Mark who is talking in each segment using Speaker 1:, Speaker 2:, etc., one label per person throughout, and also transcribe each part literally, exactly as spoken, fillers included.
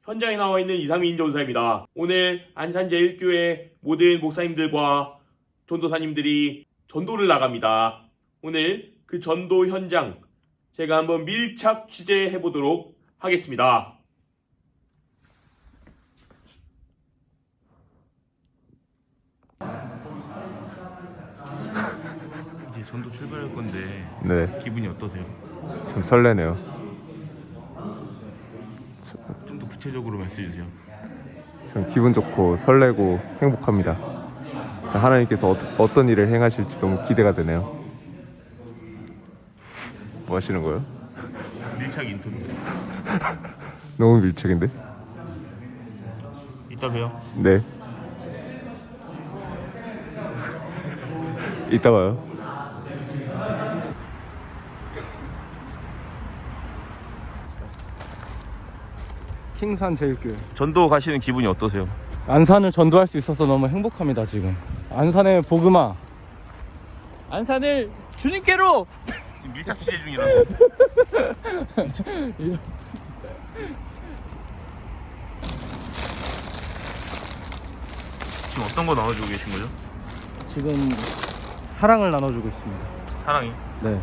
Speaker 1: 현장에 나와 있는 이상민 전사입니다. 오늘 안산제일교회 모든 목사님들과 전도사님들이 전도를 나갑니다. 오늘 그 전도 현장 제가 한번 밀착 취재해 보도록 하겠습니다. 이제 전도 출발할 건데
Speaker 2: 네,
Speaker 1: 기분이 어떠세요?
Speaker 2: 참 설레네요.
Speaker 1: 좀 더 구체적으로 말씀해 주세요.
Speaker 2: 참 기분 좋고 설레고 행복합니다. 자, 하나님께서 어, 어떤 일을 행하실지 너무 기대가 되네요. 뭐 하시는 거예요?
Speaker 1: 밀착 인터뷰.
Speaker 2: 너무 밀착인데?
Speaker 1: 이따 봬요.
Speaker 2: 네. 이따 봐요.
Speaker 3: 킹산 제일교회
Speaker 1: 전도 가시는 기분이 어떠세요?
Speaker 3: 안산을 전도할 수 있어서 너무 행복합니다. 지금 안산의 복음아, 안산을 주님께로.
Speaker 1: 지금 밀착 취재 중이라고. 지금 어떤 거 나눠주고 계신 거죠?
Speaker 3: 지금 사랑을 나눠주고 있습니다.
Speaker 1: 사랑이.
Speaker 3: 네.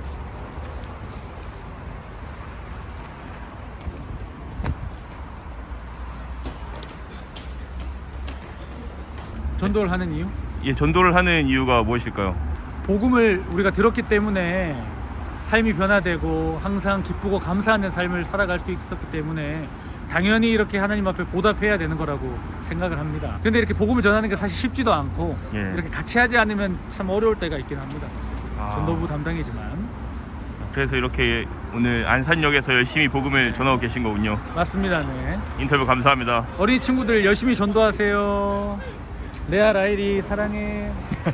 Speaker 3: 전도를 하는 이유?
Speaker 1: 예, 전도를 하는 이유가 무엇일까요?
Speaker 3: 복음을 우리가 들었기 때문에 삶이 변화되고 항상 기쁘고 감사하는 삶을 살아갈 수 있었기 때문에 당연히 이렇게 하나님 앞에 보답해야 되는 거라고 생각을 합니다. 근데 이렇게 복음을 전하는 게 사실 쉽지도 않고
Speaker 1: 예.
Speaker 3: 이렇게 같이 하지 않으면 참 어려울 때가 있긴 합니다. 사실.
Speaker 1: 아.
Speaker 3: 전도부 담당이지만.
Speaker 1: 그래서 이렇게 오늘 안산역에서 열심히 복음을 전하고 계신 거군요.
Speaker 3: 맞습니다. 네.
Speaker 1: 인터뷰 감사합니다.
Speaker 3: 어린이 친구들 열심히 전도하세요. 레아 라일이 사랑해.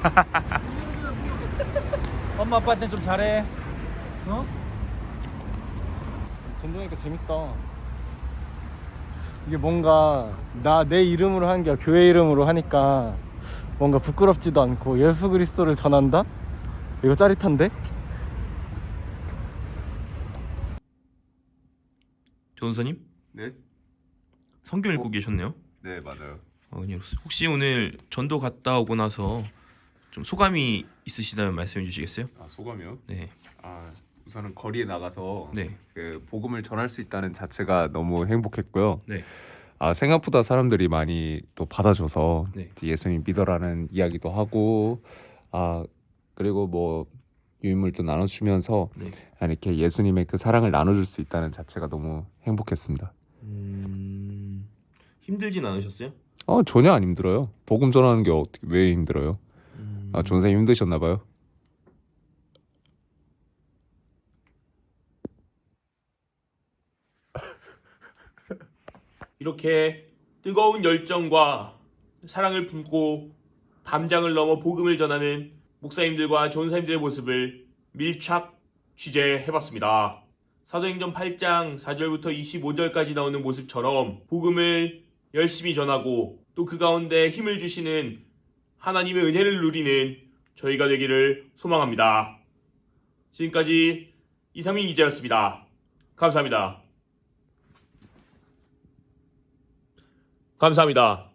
Speaker 3: 엄마 아빠한테 좀 잘해. 어? 전도하니까 재밌다. 이게 뭔가 나 내 이름으로 하는 게 아니라 교회 이름으로 하니까 뭔가 부끄럽지도 않고 예수 그리스도를 전한다? 이거 짜릿한데?
Speaker 1: 전사님?
Speaker 2: 네?
Speaker 1: 성경 읽고 계셨네요.
Speaker 2: 네, 맞아요.
Speaker 1: 어, 혹시 오늘 전도 갔다 오고 나서 좀 소감이 있으시다면 말씀해 주시겠어요?
Speaker 2: 아, 소감이요?
Speaker 1: 네.
Speaker 2: 아, 우선은 거리에 나가서
Speaker 1: 네.
Speaker 2: 그 복음을 전할 수 있다는 자체가 너무 행복했고요.
Speaker 1: 네.
Speaker 2: 아, 생각보다 사람들이 많이 또 받아줘서
Speaker 1: 네.
Speaker 2: 예수님 믿어라는 이야기도 하고, 아, 그리고 뭐 유인물도 나눠주면서
Speaker 1: 네.
Speaker 2: 이렇게 예수님의 그 사랑을 나눠줄 수 있다는 자체가 너무 행복했습니다.
Speaker 1: 음... 힘들진 않으셨어요?
Speaker 2: 어, 전혀 안 힘들어요. 복음 전하는 게 어떻게 왜 힘들어요?
Speaker 1: 음...
Speaker 2: 아, 전생님 힘드셨나 봐요.
Speaker 1: 이렇게 뜨거운 열정과 사랑을 품고 담장을 넘어 복음을 전하는 목사님들과 전사님들의 모습을 밀착 취재해봤습니다. 사도행전 팔 장 사 절부터 이십오 절까지 나오는 모습처럼 복음을 열심히 전하고 또 그 가운데 힘을 주시는 하나님의 은혜를 누리는 저희가 되기를 소망합니다. 지금까지 이상민 기자였습니다. 감사합니다. 감사합니다.